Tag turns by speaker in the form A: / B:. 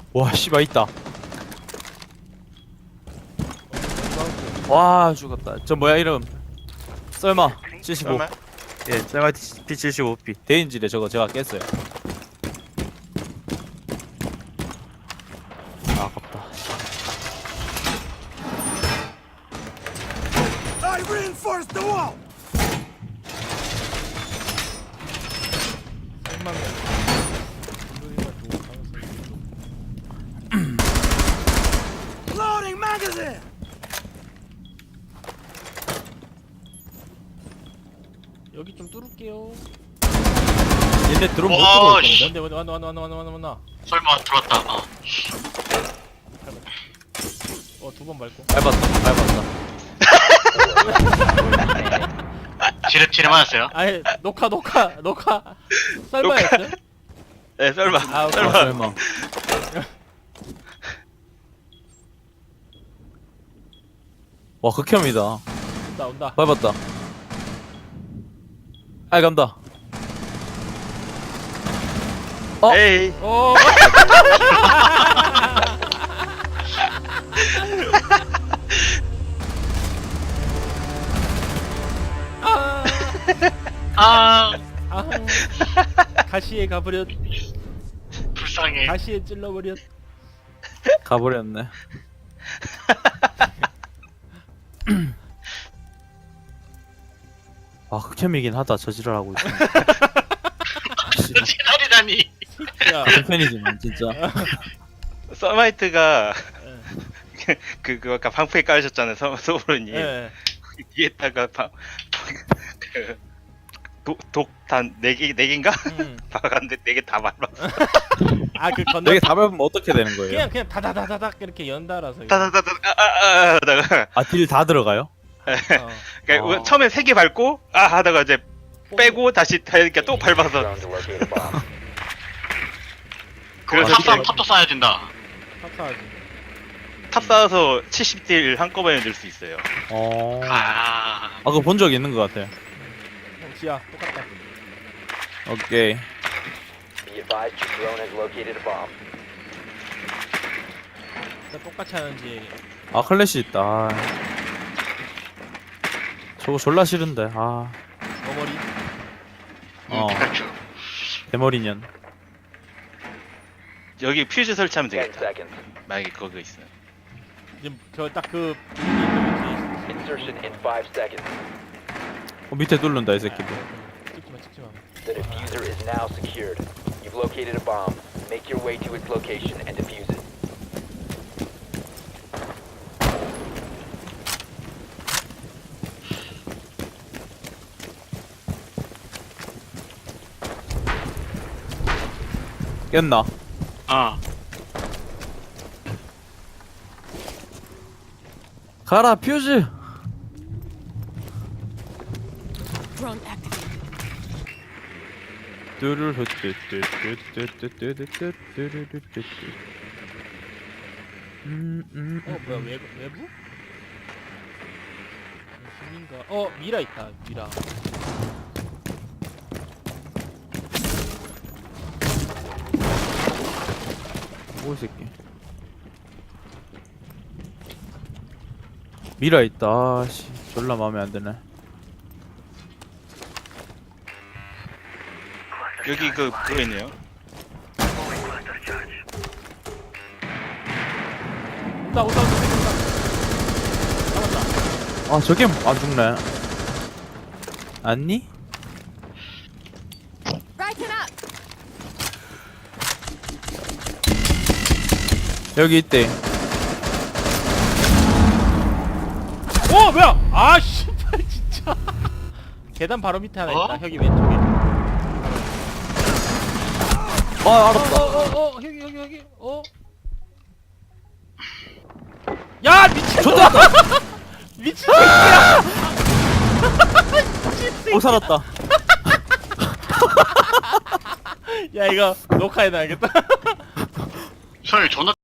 A: 와 씨발 있다. 와 죽었다. 저 뭐야 이름? 썰마 75.
B: 설마?
A: 예, 썰마 P75P. 대인지래 저거 제가 깼어요. 아, 아깝다.
C: I reinforced the wall. Loading magazine.
D: 여기 좀 뚫을게요.
A: 얘네 드론 못
B: 와,
A: 들어올
B: 씨.
A: 건데?
D: 왔나.
B: 설마 들어왔다.
D: 두 번 밟고.
A: 밟았다.
B: 지뢰 맞았어요.
D: 아니 녹화. 썰마였어요?
B: 네, 설마.
D: 아, 오케이.
A: 아, 설마. 와 극혐이다.
D: 온다.
A: 밟았다. 아이 간다. 어?
B: 에이.
D: 오.
B: 아,
D: 아. 가시에 가버렸.
B: 불쌍해.
D: 가시에 찔러버렸.
A: 가버렸네. 아 극혐이긴 하다. 저지랄하고 있어.
B: 지랄이라니.
D: 야.
A: 같은 편이지만 진짜.
B: 서마이트가
D: 예.
B: 그 아까 방패 깔으셨잖아요, 소브로님.
D: 예.
B: 뒤에다가 독단 4개인가? 박았는데 4개 다 밟았어.
D: 아그 건너.
A: 여기 다 밟으면 어떻게 되는 거예요?
D: 그냥 다다다다닥 이렇게 연달아서.
B: 다다다다 하다가
A: 아 딜 다 들어가요?
B: 그러니까
A: 아.
B: 처음에 3개 밟고 하다가 이제 빼고 다시 이렇게 또 밟아서 그래서 탑도 쌓아야 된다.
D: 탑사하지.
B: 탑 쌓아서 70딜 한꺼번에 넣을 수 있어요.
A: 아 그거 본 적 있는 것 같아요.
D: 지야 똑같다.
A: 오케이.
E: Be advised your drone has located a bomb.
D: 진짜 똑같이 하는지.
A: 아 클래시 있다. 아. 저거 졸라 싫은데. 아.
D: 머머리.
A: 어.
B: 피카츄.
A: 대머리년.
B: 여기 퓨즈 설치하면
E: 10
B: 되겠다.
E: seconds.
B: 만약에 거기 있어요.
D: 지금 저딱그
E: Insertion in 5 seconds.
A: 밑에 뚫는다 이 새끼들.
D: 찍지마.
E: The diffuser is now secured. You've located a bomb. Make your way to its location and defuse it.
A: 깼나? 가라 퓨즈.
F: Drone activated.
D: 뭐야 외부? 힘인가? 미라 있다. 미라.
A: 뭐 이 새끼. 미라 있다. 아씨 졸라 마음에 안 드네.
B: 여기 그거 있네요.
D: 온다. 잡았다.
A: 아 저게 안 죽네. 안니?
F: Brighten up.
A: 여기 있대.
D: 뭐야? 아 씨발 진짜. 계단 바로 밑에 하나 있다. 여기 왼쪽에.
A: 아 알았다.
D: 여기. 야 미친.
A: 좋다.
D: 미친 새끼야. 미친 새끼.
A: 살았다.
D: 야 이거 녹화해놔야겠다.
B: 설마 존나